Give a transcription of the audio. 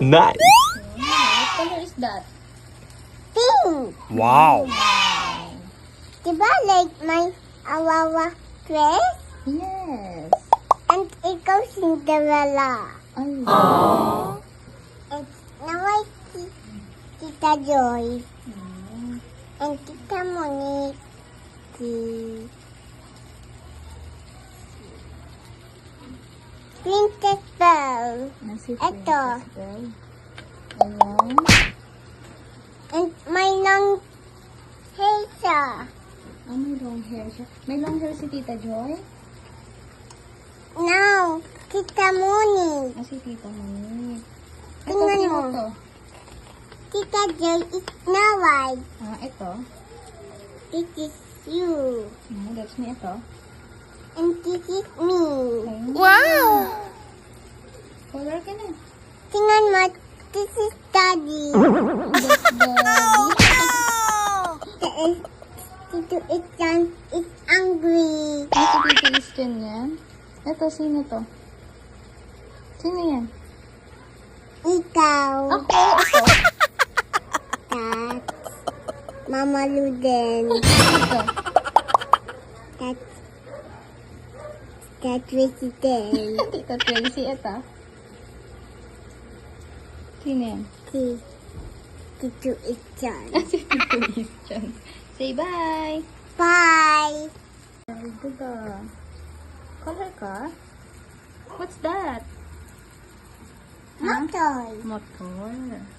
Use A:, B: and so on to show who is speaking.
A: Nice.
B: What color is that?
C: Pink.
A: Wow.
C: Diba like my Awawa dress?
B: Yes.
C: And ikaw Cinderella.
B: Ay.
C: And now I see Tita Joy.
B: Hmm.
C: And Tita Monique. Princess Belle.
B: Nasi
C: Ito.
B: Princess Belle. Ayan.
C: And my long hair siya.
B: Oh, may long hair siya. May long hair si Tita Joy?
C: Now, Tita Monique.
B: Ah, si Tita Monique. Ito,
C: Tingnan
B: sino
C: mo.
B: to?
C: Tita Joy is now white.
B: Ah, ito.
C: This is you.
B: That's me ito.
C: And this is me.
B: Ayun.
C: Wow!
B: Color ka na.
C: Tingnan mo, this is Daddy.
B: That's Daddy.
C: It's angry.
B: Ah, si Tita Easton yan. Ito, sino to? Sino yan?
C: Ikaw.
B: Ako, ito.
C: That. Mama Luden.
B: Ito.
C: That Resident.
B: Tita Tracy, ito. Sino yan?
C: Tito Ichan.
B: Si Tito Easton. Say bye.
C: Bye.
B: Very good Color ka? What's that?
C: Motor.
B: Motor.